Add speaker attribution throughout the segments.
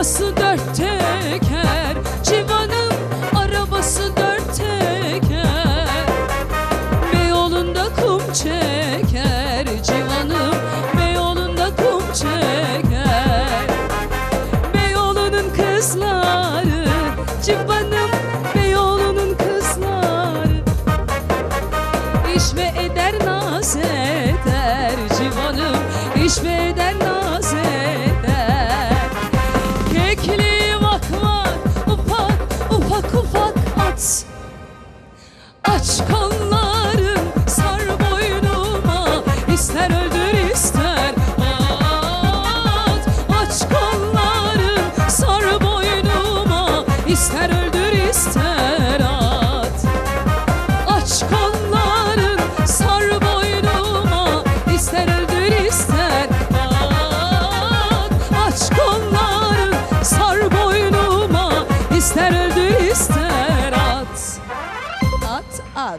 Speaker 1: arabası dört teker, civanın arabası dört teker. Beyoğlu'nda kum çeker, civanım Beyoğlu'nda kum çeker. Beyoğlu'nun kızları, civanım Beyoğlu'nun kızları. İş ve eder naz eder, civanım iş ve eder naz eder. Kekli vak vak, ufak ufak ufak at. Aç kolların, sar boynuma, ister öldür ister at. Aç kolların, sar boynuma, ister öldür ister at. Aç kolların, sar boynuma, ister öldür ister at. Aç kolların, sar boynuma, ister öldür ister at. At at.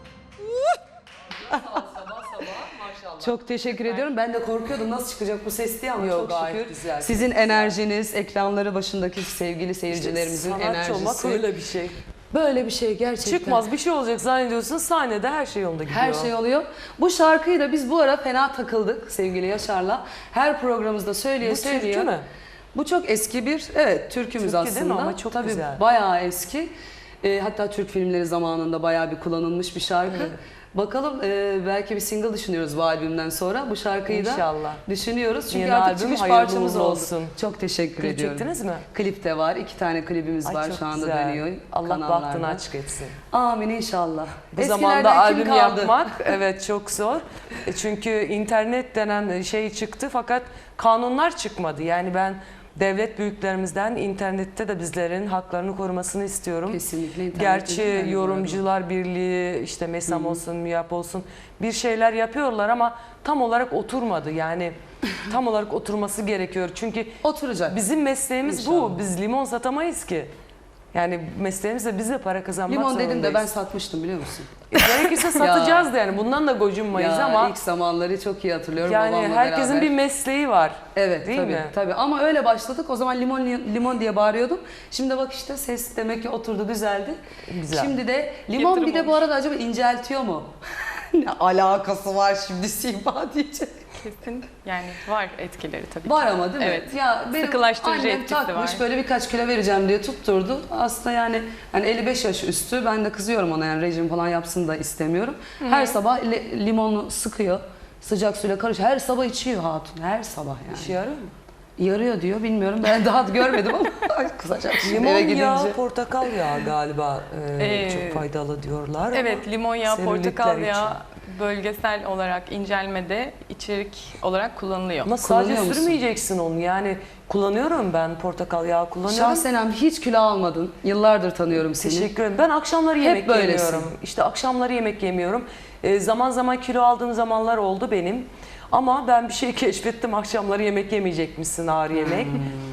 Speaker 2: Çok teşekkür ediyorum. Ben de korkuyordum nasıl çıkacak bu ses diye ama
Speaker 3: Yok,
Speaker 2: çok
Speaker 3: gayet
Speaker 2: şükür.
Speaker 3: güzel.
Speaker 2: Sizin enerjiniz, ekranları başındaki sevgili seyircilerimizin
Speaker 3: Sanatçı
Speaker 2: enerjisi.
Speaker 3: olmak öyle bir şey.
Speaker 2: Böyle bir şey gerçekten.
Speaker 3: Çıkmaz bir şey olacak zannediyorsun, sahnede her şey yolunda gidiyor.
Speaker 2: Her şey oluyor. Bu şarkıyı da biz bu ara fena takıldık sevgili Yaşar'la. Her programımızda söyleye
Speaker 3: Bu
Speaker 2: söyleye.
Speaker 3: türkü mü?
Speaker 2: Bu çok eski bir, evet türkümüz
Speaker 3: Türkü değil
Speaker 2: aslında.
Speaker 3: mi? Ama çok
Speaker 2: Tabii
Speaker 3: güzel.
Speaker 2: bayağı eski. Hatta Türk filmleri zamanında bayağı bir kullanılmış bir şarkı. Bakalım belki bir single düşünüyoruz bu albümden sonra. Bu şarkıyı da
Speaker 3: İnşallah.
Speaker 2: düşünüyoruz. Çünkü
Speaker 3: Yeni
Speaker 2: artık
Speaker 3: albüm
Speaker 2: çıkış
Speaker 3: hayırlı
Speaker 2: parçamız
Speaker 3: uğurlu
Speaker 2: oldu.
Speaker 3: olsun.
Speaker 2: Çok teşekkür
Speaker 3: Klip
Speaker 2: ediyorum.
Speaker 3: çektiniz mi?
Speaker 2: Klip de var. 2 tane klibimiz
Speaker 3: Ay,
Speaker 2: var
Speaker 3: çok
Speaker 2: şu anda
Speaker 3: güzel.
Speaker 2: dönüyor
Speaker 3: Allah
Speaker 2: kanallarda.
Speaker 3: bahtını açık etsin.
Speaker 2: Amin inşallah.
Speaker 3: Bu
Speaker 2: Eskilerden
Speaker 3: zamanda
Speaker 2: kim
Speaker 3: albüm
Speaker 2: kaldı?
Speaker 3: yapmak evet çok zor. Çünkü internet denen şey çıktı fakat kanunlar çıkmadı. Yani ben devlet büyüklerimizden internette de bizlerin haklarını korumasını istiyorum.
Speaker 2: Kesinlikle internette
Speaker 3: Gerçi
Speaker 2: de
Speaker 3: Yorumcular Birliği, işte MESAM olsun, MÜYAP olsun bir şeyler yapıyorlar ama tam olarak oturmadı. Yani tam olarak oturması gerekiyor. Çünkü
Speaker 2: Oturacak.
Speaker 3: bizim mesleğimiz
Speaker 2: İnşallah.
Speaker 3: bu. Biz limon satamayız ki. Yani mesleğimizde biz de para kazanmak
Speaker 2: Limon
Speaker 3: zorundayız.
Speaker 2: dedim de ben satmıştım biliyor musun?
Speaker 3: Gerekirse satacağız da yani bundan da gocunmayız
Speaker 2: Ya,
Speaker 3: ama
Speaker 2: ilk zamanları çok iyi hatırlıyorum
Speaker 3: yani
Speaker 2: babamla
Speaker 3: herkesin
Speaker 2: beraber.
Speaker 3: bir mesleği var.
Speaker 2: Evet
Speaker 3: değil
Speaker 2: tabii,
Speaker 3: mi?
Speaker 2: tabii ama öyle başladık. O zaman limon limon diye bağırıyordum. Şimdi bak işte ses demek ki oturdu, düzeldi.
Speaker 3: Güzel.
Speaker 2: Şimdi de limon
Speaker 1: Yatırım
Speaker 2: bir de bu
Speaker 1: olmuş.
Speaker 2: arada acaba inceltiyor mu? Ne alakası var şimdi Sima diyecek.
Speaker 1: Kesin yani var etkileri tabii
Speaker 2: Var
Speaker 1: ki.
Speaker 2: ama değil mi?
Speaker 1: Evet.
Speaker 2: Ya benim
Speaker 1: Sıkılaştırıcı
Speaker 2: annem
Speaker 1: etkisi
Speaker 2: takmış
Speaker 1: var.
Speaker 2: böyle birkaç kilo vereceğim diye tutturdu. Aslında yani 55 yaş üstü, ben de kızıyorum ona, yani rejim falan yapsın da istemiyorum. Her sabah limonu sıkıyor. Sıcak suyla karışıyor. Her sabah içiyor hatun. Her sabah yani.
Speaker 3: İşe yarıyor mu?
Speaker 2: Yarıyor diyor, bilmiyorum. Ben daha görmedim ama kızacak şimdi
Speaker 3: Limon
Speaker 2: eve
Speaker 3: yağı,
Speaker 2: gidince.
Speaker 3: portakal yağı galiba çok faydalı diyorlar
Speaker 1: Evet,
Speaker 3: ama
Speaker 1: limon yağı, portakal
Speaker 3: selülitler
Speaker 1: yağı
Speaker 3: için.
Speaker 1: bölgesel olarak incelmede içerik olarak kullanılıyor.
Speaker 3: Ama sadece
Speaker 2: Kullanıyor musun?
Speaker 3: sürmeyeceksin onu yani kullanıyorum ben portakal yağı kullanıyorum.
Speaker 2: Şahsen hiç kilo almadın. Yıllardır tanıyorum seni.
Speaker 3: Teşekkür ederim. Ben akşamları yemek
Speaker 2: böylesin.
Speaker 3: yemiyorum. İşte akşamları yemek yemiyorum. Zaman zaman kilo aldığım zamanlar oldu benim. Ama ben bir şey keşfettim. Akşamları yemek yemeyecekmişsin, ağır yemek.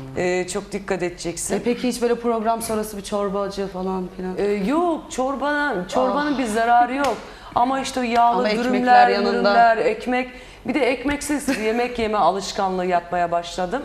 Speaker 3: Çok dikkat edeceksin.
Speaker 2: Peki hiç böyle program sonrası bir çorbacı falan filan?
Speaker 3: Yok, çorbanın bir zararı yok. Ama işte o yağlı
Speaker 2: Ama ekmekler
Speaker 3: dürümler,
Speaker 2: yanında.
Speaker 3: dürümler, ekmek. Bir de ekmeksiz yemek yeme alışkanlığı yapmaya başladım.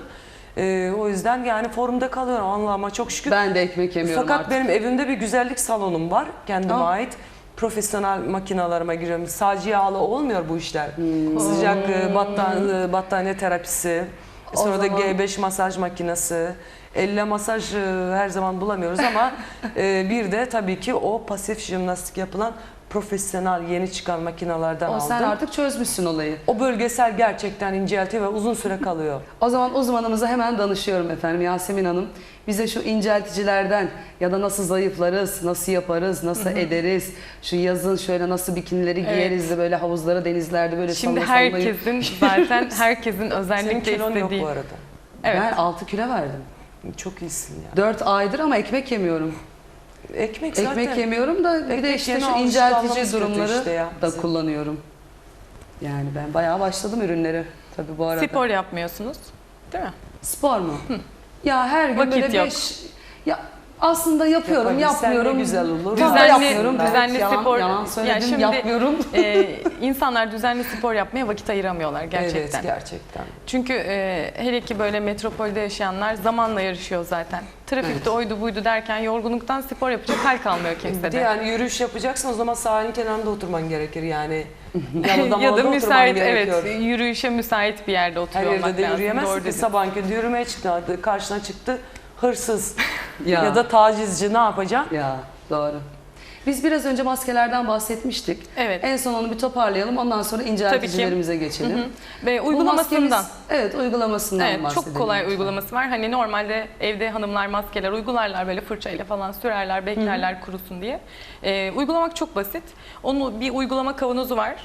Speaker 3: O yüzden yani formda kalıyorum Allah'ıma çok şükür.
Speaker 2: Ben de ekmek yemiyorum
Speaker 3: Fakat
Speaker 2: artık.
Speaker 3: benim evimde bir güzellik salonum var kendime
Speaker 2: Aa.
Speaker 3: ait. Profesyonel makinalarıma giriyorum. Sadece yağlı olmuyor bu işler. Sıcak battaniye terapisi,
Speaker 2: O
Speaker 3: sonra da
Speaker 2: zaman-
Speaker 3: G5 masaj makinesi. Elle masaj her zaman bulamıyoruz ama bir de tabii ki o pasif jimnastik yapılan profesyonel yeni çıkan makinalardan
Speaker 2: O
Speaker 3: aldım.
Speaker 2: sen artık çözmüşsün olayı.
Speaker 3: O bölgesel gerçekten inceltiyor ve uzun süre kalıyor.
Speaker 2: O zaman uzmanımıza hemen danışıyorum efendim, Yasemin Hanım. Bize şu incelticilerden ya da nasıl zayıflarız, nasıl yaparız, nasıl ederiz, şu yazın şöyle nasıl bikinileri giyeriz de böyle havuzlara, denizlerde böyle
Speaker 1: Şimdi
Speaker 2: salla sallayıp.
Speaker 1: herkesin zaten herkesin
Speaker 3: Senin
Speaker 1: özellikle
Speaker 3: kilon yok
Speaker 1: istediği.
Speaker 3: bu arada.
Speaker 1: Evet.
Speaker 2: Ben 6 kilo verdim.
Speaker 3: Çok iyisin ya.
Speaker 2: 4 aydır ama ekmek yemiyorum.
Speaker 3: Ekmek zaten.
Speaker 2: Ekmek yemiyorum da bir de
Speaker 3: Ekmek
Speaker 2: işte
Speaker 3: yeme
Speaker 2: şu
Speaker 3: alışkanlığımız
Speaker 2: inceltici
Speaker 3: kötü
Speaker 2: durumları
Speaker 3: işte ya
Speaker 2: da
Speaker 3: bizim.
Speaker 2: kullanıyorum. Yani ben bayağı başladım ürünleri tabii bu arada.
Speaker 1: Spor yapmıyorsunuz değil mi?
Speaker 2: Spor mu? Ya her gün
Speaker 1: Vakit
Speaker 2: böyle
Speaker 1: yok.
Speaker 2: 5... Ya Aslında yapıyorum,
Speaker 3: Yapabilsen ne
Speaker 2: yapmıyorum.
Speaker 3: güzel olur.
Speaker 2: Tam da
Speaker 1: Düzenli-
Speaker 2: yapmıyorum.
Speaker 1: düzenli
Speaker 2: yalan,
Speaker 1: spor-
Speaker 2: Yalan söyledim,
Speaker 1: Yani şimdi-
Speaker 2: yapmıyorum.
Speaker 1: İnsanlar düzenli spor yapmaya vakit ayıramıyorlar gerçekten.
Speaker 3: Evet, gerçekten.
Speaker 1: Çünkü hele ki böyle metropolde yaşayanlar zamanla yarışıyor zaten. Trafikte oydu buydu derken yorgunluktan spor yapacak hal kalmıyor
Speaker 3: Bir
Speaker 1: kimsede.
Speaker 3: de yani yürüyüş yapacaksın o zaman sahilin kenarında oturman gerekir yani. Yalıda
Speaker 1: Ya da
Speaker 3: oturman
Speaker 1: müsait,
Speaker 3: gerekiyor.
Speaker 1: evet, yürüyüşe müsait bir yerde
Speaker 3: Her
Speaker 1: oturuyor olmak
Speaker 3: yerde de
Speaker 1: lazım.
Speaker 3: yürüyemezsin
Speaker 1: Doğru
Speaker 3: ki
Speaker 1: dedin.
Speaker 3: sabahki yürümeye çıktı, karşına çıktı hırsız
Speaker 2: Ya.
Speaker 3: ya da tacizci ne yapacak?
Speaker 2: Ya doğru. Biz biraz önce maskelerden bahsetmiştik.
Speaker 1: Evet.
Speaker 2: En son onu bir toparlayalım. Ondan sonra incelticilerimize geçelim.
Speaker 1: Ve
Speaker 2: Bu
Speaker 1: uygulamasından.
Speaker 2: maskemiz- evet, uygulamasından
Speaker 1: Evet,
Speaker 2: bahsedelim.
Speaker 1: çok kolay
Speaker 2: lütfen.
Speaker 1: uygulaması var. Hani normalde evde hanımlar maskeler uygularlar, böyle fırçayla falan sürerler, beklerler kurusun diye. Uygulamak çok basit. Onun bir uygulama kavanozu var.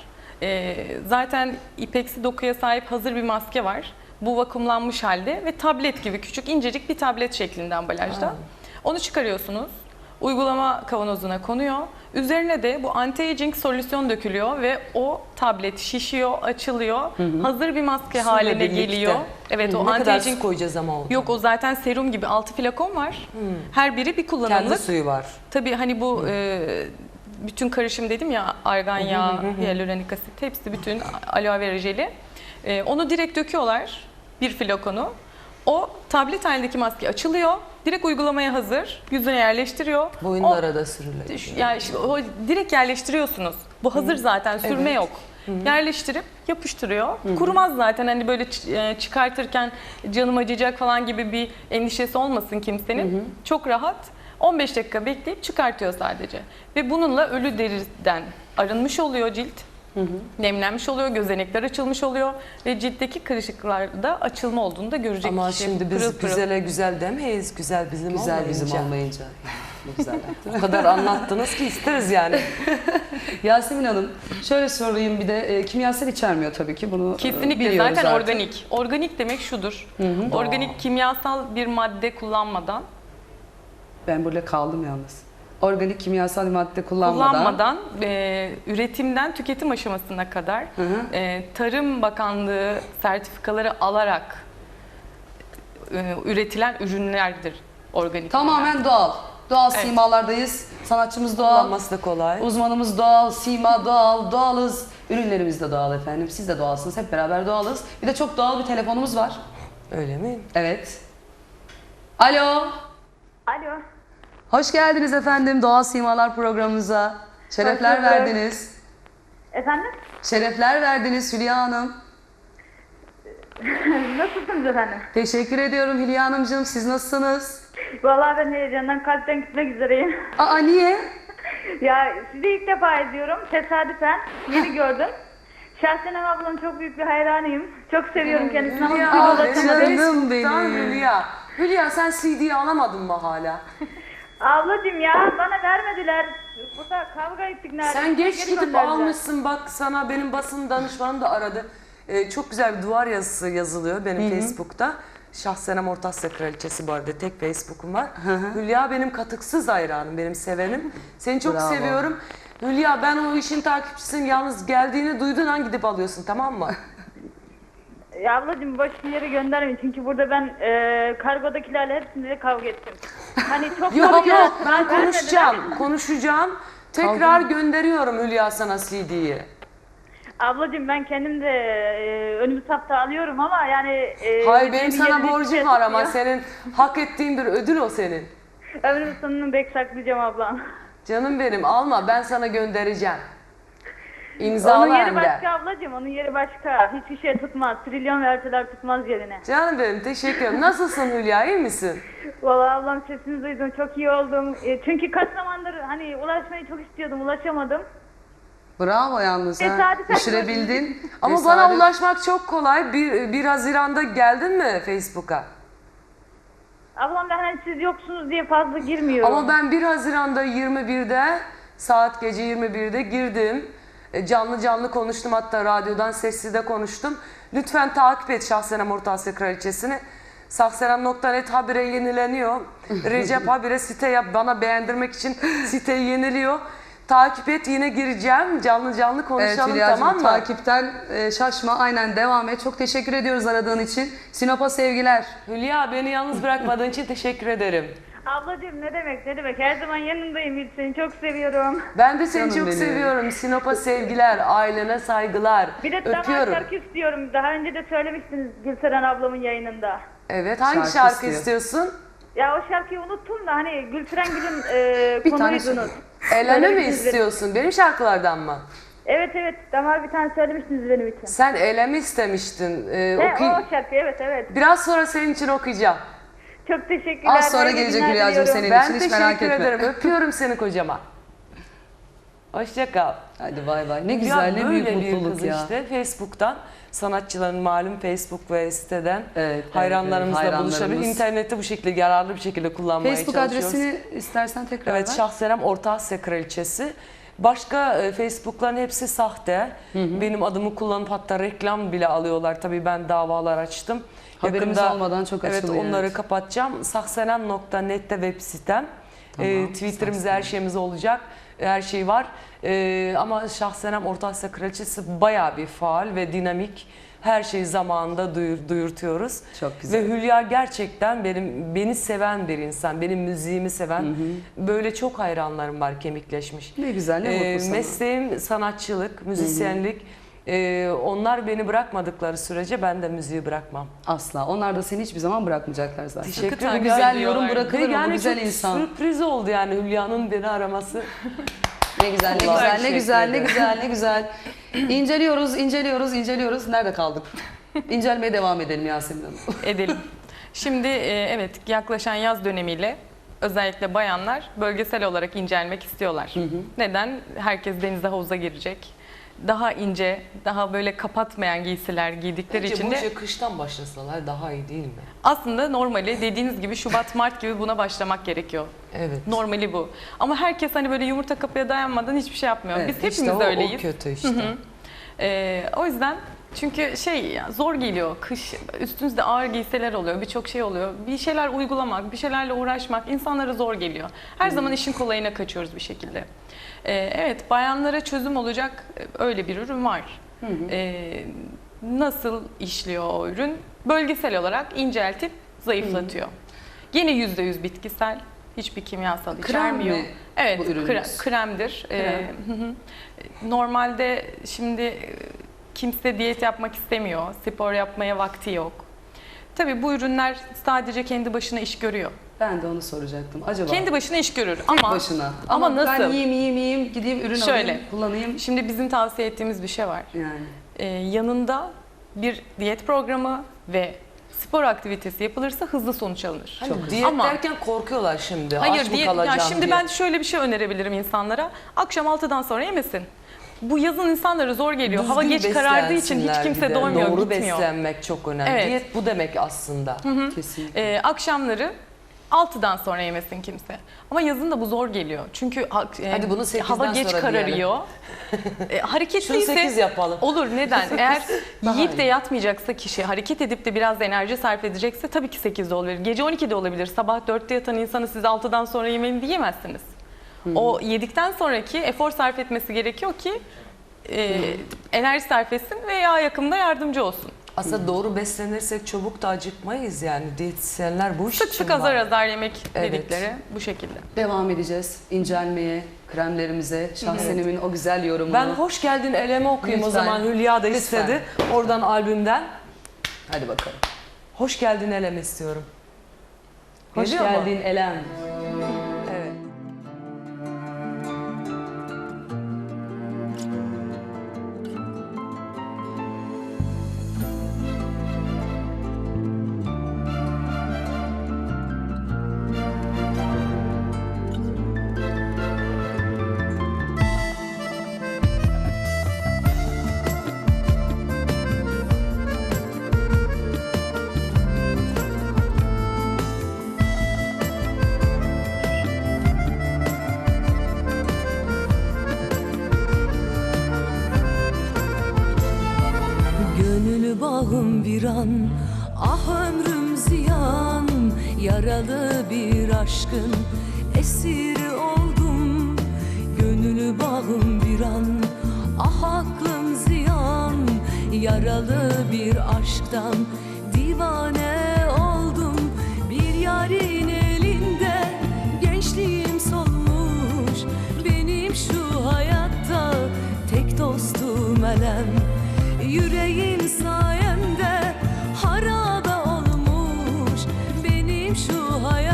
Speaker 1: Zaten ipeksi dokuya sahip hazır bir maske var. Bu vakumlanmış halde ve tablet gibi küçük incecik bir tablet şeklinde ambalajda. Onu çıkarıyorsunuz. Uygulama kavanozuna konuyor. Üzerine de bu anti-aging solüsyon dökülüyor ve o tablet şişiyor, açılıyor. Hazır bir maske
Speaker 3: Suyla
Speaker 1: haline
Speaker 3: birlikte.
Speaker 1: geliyor. Evet, o
Speaker 3: Ne kadar
Speaker 1: anti-aging
Speaker 3: su koyacağız ama o?
Speaker 1: yok, o zaten serum gibi 6 flakon var. Her biri bir
Speaker 3: Kendi
Speaker 1: kullanımlık.
Speaker 3: suyu var.
Speaker 1: Tabii hani bu bütün karışım dedim ya, argan yağı, hyaluronik asit, hepsi bütün aloe vera jeli. Onu direkt döküyorlar, bir flakonu. O tablet halindeki maske açılıyor. Direkt uygulamaya hazır. Yüzüne yerleştiriyor.
Speaker 3: Boyunlara da sürülecek.
Speaker 1: Yani işte o direkt yerleştiriyorsunuz. Bu hazır zaten, sürme yok. Yerleştirip yapıştırıyor. Kurumaz zaten, hani böyle çıkartırken canım acıyacak falan gibi bir endişesi olmasın kimsenin. Çok rahat. 15 dakika bekleyip çıkartıyor sadece. Ve bununla ölü deriden arınmış oluyor cilt. Nemlenmiş oluyor, gözenekler açılmış oluyor ve ciltteki kırışıklarda açılma olduğunu da görecek
Speaker 3: Ama
Speaker 1: kişi.
Speaker 3: şimdi biz
Speaker 1: Pırıl pırıl.
Speaker 3: güzele güzel demeyiz. Güzel bizim
Speaker 2: Güzel
Speaker 3: olmayınca.
Speaker 2: bizim olmayınca. Ne güzel yaptın.
Speaker 3: O kadar anlattınız ki isteriz yani.
Speaker 2: Yasemin Hanım, şöyle sorayım bir de kimyasal içermiyor tabii ki bunu
Speaker 1: Kesinlikle,
Speaker 2: biliyoruz
Speaker 1: zaten
Speaker 2: artık.
Speaker 1: organik. Organik demek şudur. Organik, kimyasal bir madde kullanmadan,
Speaker 2: Ben burada kaldım yalnız. Organik kimyasal madde kullanmadan.
Speaker 1: üretimden tüketim aşamasına kadar Tarım Bakanlığı sertifikaları alarak üretilen ürünlerdir organik.
Speaker 2: Tamamen doğal. Doğal
Speaker 1: Evet.
Speaker 2: simalardayız. Sanatçımız doğal.
Speaker 3: Kullanması da kolay.
Speaker 2: Uzmanımız doğal, sima doğal, doğalız. Ürünlerimiz de doğal efendim. Siz de doğalsınız. Hep beraber doğalız. Bir de çok doğal bir telefonumuz var.
Speaker 3: Öyle mi?
Speaker 2: Evet. Alo.
Speaker 4: Alo.
Speaker 2: Hoş geldiniz efendim Doğal Simalar programımıza. Şerefler
Speaker 4: Hoş bulduk.
Speaker 2: verdiniz.
Speaker 4: Efendim?
Speaker 2: Şerefler verdiniz Hülya Hanım.
Speaker 4: Nasılsınız efendim?
Speaker 2: Teşekkür ediyorum Hülya Hanımcığım. Siz nasılsınız?
Speaker 4: Vallahi ben heyecandan kalpten gitmek üzereyim.
Speaker 2: Aa niye?
Speaker 4: Ya sizi ilk defa izliyorum. Tesadüfen yeni gördüm. Şahsen ablanın çok büyük bir hayranıyım. Çok seviyorum kendisini ama bir
Speaker 2: Ya,
Speaker 4: ulaşamadım.
Speaker 2: canım benim.
Speaker 3: Tamam Hülya. Hülya sen CD'yi alamadın mı hala?
Speaker 4: Ablacığım ya bana vermediler. Burada kavga ettik neredeyse.
Speaker 3: Sen geç
Speaker 4: Geri
Speaker 3: gidip
Speaker 4: gönderdiler.
Speaker 3: almışsın, bak sana benim basın danışmanım da aradı. Çok güzel bir duvar yazısı yazılıyor benim Facebook'ta. Şahsenem Ortasya Kraliçesi bu arada, tek Facebook'um var. Hülya benim katıksız hayranım, benim sevenim. Seni çok
Speaker 2: Bravo.
Speaker 3: seviyorum. Hülya ben o işin takipçisiyim, yalnız geldiğini duyduğun an gidip alıyorsun, tamam mı?
Speaker 4: Ya ablacığım boş bir yere göndermeyin. Çünkü burada ben kargodakilerle hepsiyle kavga ettim. Hani çok
Speaker 3: Yok
Speaker 4: kavga-
Speaker 3: yok ben
Speaker 4: vermediler.
Speaker 3: konuşacağım. Tekrar gönderiyorum Hülya sana CD'yi.
Speaker 4: Ablacığım ben kendim de önümüz hafta alıyorum ama yani...
Speaker 3: Hayır benim sana
Speaker 4: yerini
Speaker 3: borcum
Speaker 4: hiç
Speaker 3: var ama
Speaker 4: tutmuyor.
Speaker 3: senin hak ettiğin bir ödül o senin.
Speaker 4: Ömrümün sonunu bek saklayacağım ablam.
Speaker 3: Canım benim alma, ben sana göndereceğim. İmzalı
Speaker 4: Onun yeri
Speaker 3: hem de.
Speaker 4: başka ablacığım, onun yeri başka. Hiçbir şey tutmaz. Trilyon verseler tutmaz yerine.
Speaker 3: Canım benim teşekkür ederim. Nasılsın Hülya, iyi misin?
Speaker 4: Vallahi ablam sesini duydum, çok iyi oldum. Çünkü kaç zamandır hani ulaşmayı çok istiyordum, ulaşamadım.
Speaker 2: Bravo yalnız ha.
Speaker 4: Tesadüfen
Speaker 2: Düşürebildin.
Speaker 3: Ama
Speaker 2: Tesadüf.
Speaker 3: bana ulaşmak çok kolay. 1 Haziran'da geldin mi Facebook'a?
Speaker 4: Ablam ben hani siz yoksunuz diye fazla girmiyorum.
Speaker 3: Ama ben 1 Haziran'da 21'de, saat gece 21'de girdim. Canlı konuştum, hatta radyodan sessiz konuştum. Lütfen takip et Şahsenem Ortasya Kraliçesi'ni. Sahsenem.net habire yenileniyor. Recep habire site yap, bana beğendirmek için siteyi yeniliyor. Takip et, yine gireceğim. Canlı
Speaker 2: Evet
Speaker 3: konuşalım,
Speaker 2: Hülya'cığım,
Speaker 3: tamam mı?
Speaker 2: takipten şaşma, aynen devam et. Çok teşekkür ediyoruz aradığın için. Sinop'a sevgiler.
Speaker 3: Hülya beni yalnız bırakmadığın için teşekkür ederim.
Speaker 4: Ablacığım ne demek ne demek. Her zaman yanındayım Yiğit, seni çok seviyorum.
Speaker 3: Ben de seni
Speaker 2: Canım
Speaker 3: çok
Speaker 2: benim.
Speaker 3: seviyorum. Sinop'a sevgiler, ailene saygılar.
Speaker 4: Bir de damar
Speaker 3: Öpüyorum.
Speaker 4: şarkı istiyorum. Daha önce de söylemiştiniz Gülseren ablamın yayınında.
Speaker 3: Evet, hangi
Speaker 2: Şarkı
Speaker 3: şarkı
Speaker 2: istiyor.
Speaker 3: istiyorsun?
Speaker 4: Ya o şarkıyı unuttum da hani Gülseren Gül'ün
Speaker 2: Bir tane
Speaker 4: konuydunuz.
Speaker 3: Elene mi
Speaker 4: Söylemiştiniz
Speaker 3: istiyorsun? Benim şarkılardan mı?
Speaker 4: Evet evet, damar bir tane söylemiştiniz benim için.
Speaker 3: Sen Elemi istemiştin.
Speaker 4: O şarkı, evet.
Speaker 3: Biraz sonra senin için okuyacağım.
Speaker 4: Çok teşekkürler.
Speaker 2: Az sonra
Speaker 4: Hayırlı
Speaker 2: gelecek
Speaker 4: günler
Speaker 2: Hülya'cığım
Speaker 4: diliyorum.
Speaker 2: senin
Speaker 3: Ben
Speaker 2: için, hiç merak
Speaker 3: teşekkür
Speaker 2: etme.
Speaker 3: ederim. Öpüyorum seni kocaman. Hoşça kal.
Speaker 2: Hadi bay bay. Ne
Speaker 3: Ya
Speaker 2: güzel, ne büyük
Speaker 3: böyle bir
Speaker 2: mutluluk
Speaker 3: kız
Speaker 2: ya.
Speaker 3: işte Facebook'tan, sanatçıların malum Facebook ve siteden
Speaker 2: Evet,
Speaker 3: hayranlarımızla
Speaker 2: evet,
Speaker 3: buluşabilir.
Speaker 2: hayranlarımız.
Speaker 3: İnternette bu şekilde yararlı bir şekilde kullanmaya
Speaker 2: Facebook
Speaker 3: çalışıyoruz.
Speaker 2: adresini istersen tekrar
Speaker 3: Evet,
Speaker 2: ver.
Speaker 3: Şahsenem Orta Asya Kraliçesi. Başka Facebook'ların hepsi sahte. Benim adımı kullanıp hatta reklam bile alıyorlar. Tabii ben davalar açtım.
Speaker 2: Haberimiz olmadan çok
Speaker 3: Evet,
Speaker 2: açılıyor,
Speaker 3: onları
Speaker 2: evet.
Speaker 3: kapatacağım. Sahsenem.net'te web sitem.
Speaker 2: Tamam,
Speaker 3: Twitter'ımız, her şeyimiz olacak. Her şey var. Ama Şahsenem Orta Asya Kraliçesi bayağı bir faal ve dinamik. Her şeyi zamanında duyurtuyoruz.
Speaker 2: Çok güzel.
Speaker 3: Ve Hülya gerçekten beni seven bir insan. Benim müziğimi seven. Böyle çok hayranlarım var, kemikleşmiş.
Speaker 2: Ne güzel, ne mutlu sana.
Speaker 3: Mesleğim sanatçılık, müzisyenlik. Onlar beni bırakmadıkları sürece ben de müziği bırakmam.
Speaker 2: Asla. Onlar da seni hiçbir zaman bırakmayacaklar zaten.
Speaker 3: Teşekkür
Speaker 1: takip
Speaker 2: Bu güzel
Speaker 1: ediyorlar.
Speaker 2: yorum bırakılır mı? Bu
Speaker 3: Yani
Speaker 2: güzel
Speaker 3: çok
Speaker 2: insan.
Speaker 3: sürpriz oldu yani Hülya'nın beni araması.
Speaker 2: Ne güzel, ne
Speaker 3: Allah
Speaker 2: güzel, ne
Speaker 3: teşekkür
Speaker 2: güzel, ne
Speaker 3: ederim.
Speaker 2: güzel, ne güzel. İnceliyoruz. Nerede kaldık? İncelmeye devam edelim Yasemin Hanım.
Speaker 1: Edelim. Şimdi evet, yaklaşan yaz dönemiyle özellikle bayanlar bölgesel olarak incelmek istiyorlar. Neden? Herkes denize, havuza girecek. Daha ince, daha böyle kapatmayan giysiler giydikleri
Speaker 3: Bence
Speaker 1: için
Speaker 3: bu
Speaker 1: de
Speaker 3: işe kıştan başlasalar daha iyi değil mi?
Speaker 1: aslında normali dediğiniz gibi Şubat, Mart gibi buna başlamak gerekiyor.
Speaker 3: Evet.
Speaker 1: Normali bu. Ama herkes hani böyle yumurta kapıya dayanmadan hiçbir şey yapmıyor.
Speaker 2: Evet,
Speaker 1: Biz
Speaker 3: İşte
Speaker 1: hepimiz
Speaker 3: o
Speaker 1: öyleyiz.
Speaker 3: kötü işte.
Speaker 1: O yüzden çünkü zor geliyor. Kış üstünüzde ağır giysiler oluyor. Birçok şey oluyor. Bir şeyler uygulamak, bir şeylerle uğraşmak insanlara zor geliyor. Her zaman işin kolayına kaçıyoruz bir şekilde. Evet, bayanlara çözüm olacak öyle bir ürün var. Nasıl işliyor o ürün? Bölgesel olarak inceltip zayıflatıyor. Yine %100 bitkisel. Hiçbir kimyasal
Speaker 2: Krem
Speaker 1: içermiyor.
Speaker 2: mi
Speaker 1: Evet,
Speaker 2: bu ürünümüz?
Speaker 1: kremdir.
Speaker 2: Krem.
Speaker 1: Normalde şimdi kimse diyet yapmak istemiyor, spor yapmaya vakti yok. Tabii bu ürünler sadece kendi başına iş görüyor.
Speaker 2: Ben de onu soracaktım. Acaba
Speaker 1: Kendi başına iş görür
Speaker 2: tek
Speaker 1: ama
Speaker 2: başına.
Speaker 1: ama
Speaker 2: Ben
Speaker 1: nasıl?
Speaker 2: yiyeyim, gideyim ürün
Speaker 1: Şöyle.
Speaker 2: alayım, kullanayım.
Speaker 1: Şimdi bizim tavsiye ettiğimiz bir şey var.
Speaker 2: Yani.
Speaker 1: Yanında bir diyet programı ve spor aktivitesi yapılırsa hızlı sonuç alınır.
Speaker 3: Hani
Speaker 2: Çok
Speaker 3: diyet
Speaker 1: Ama-
Speaker 3: derken korkuyorlar şimdi.
Speaker 1: Hayır,
Speaker 3: Aç mı
Speaker 1: diyet,
Speaker 3: kalacağım
Speaker 1: şimdi
Speaker 3: diye.
Speaker 1: ben şöyle bir şey önerebilirim insanlara. Akşam 6'dan sonra yemesin. Bu yazın insanlara zor geliyor. Hava
Speaker 3: Düzgün
Speaker 1: geç karardığı için hiç
Speaker 3: beslensinler
Speaker 1: kimse
Speaker 3: bir de.
Speaker 1: doymuyor,
Speaker 3: Doğru
Speaker 1: gitmiyor.
Speaker 3: beslenmek çok önemli.
Speaker 1: Evet.
Speaker 3: Diyet bu demek aslında.
Speaker 2: Kesinlikle.
Speaker 1: Akşamları 6'dan sonra yemesin kimse. Ama yazın da bu zor geliyor. Çünkü
Speaker 3: Hadi bunu 8'den
Speaker 1: hava geç
Speaker 3: sonra
Speaker 1: kararıyor.
Speaker 3: Şunu
Speaker 1: Hareketliyse
Speaker 3: 8 yapalım.
Speaker 1: olur. Neden? Eğer
Speaker 2: daha
Speaker 1: yiyip de
Speaker 2: iyi.
Speaker 1: yatmayacaksa kişi, hareket edip de biraz da enerji sarf edecekse tabii ki 8'de olabilir. Gece 12'de olabilir. Sabah 4'te yatan insanı siz 6'dan sonra yemeyin diyemezsiniz. O yedikten sonraki efor sarf etmesi gerekiyor ki enerji sarf etsin ve yağ yakımında yardımcı olsun.
Speaker 3: Aslında doğru beslenirsek çabuk da acıkmayız yani. Diyetisyenler bu iş
Speaker 1: Sık
Speaker 3: için
Speaker 1: sık
Speaker 3: var.
Speaker 1: azar azar yemek
Speaker 3: Evet.
Speaker 1: dedikleri bu şekilde.
Speaker 2: Devam edeceğiz incelmeye, kremlerimize, Şahsenem'in o güzel yorumunu.
Speaker 3: Ben hoş geldin eleme okuyayım o
Speaker 2: Lütfen.
Speaker 3: zaman. Hülya da
Speaker 2: Lütfen.
Speaker 3: istedi. Oradan albümden.
Speaker 2: Hadi bakalım.
Speaker 3: Hoş geldin eleme istiyorum.
Speaker 2: Hoş
Speaker 3: Geliyor mu?
Speaker 2: geldin Elem.
Speaker 3: Evet.
Speaker 5: Gönül bağım viran, ah ömrüm ziyan. Yaralı bir aşkın esiri oldum. Gönül bağım viran, ah aklım ziyan. Yaralı bir aşktan divane oldum. Bir yarın elinde şu hayat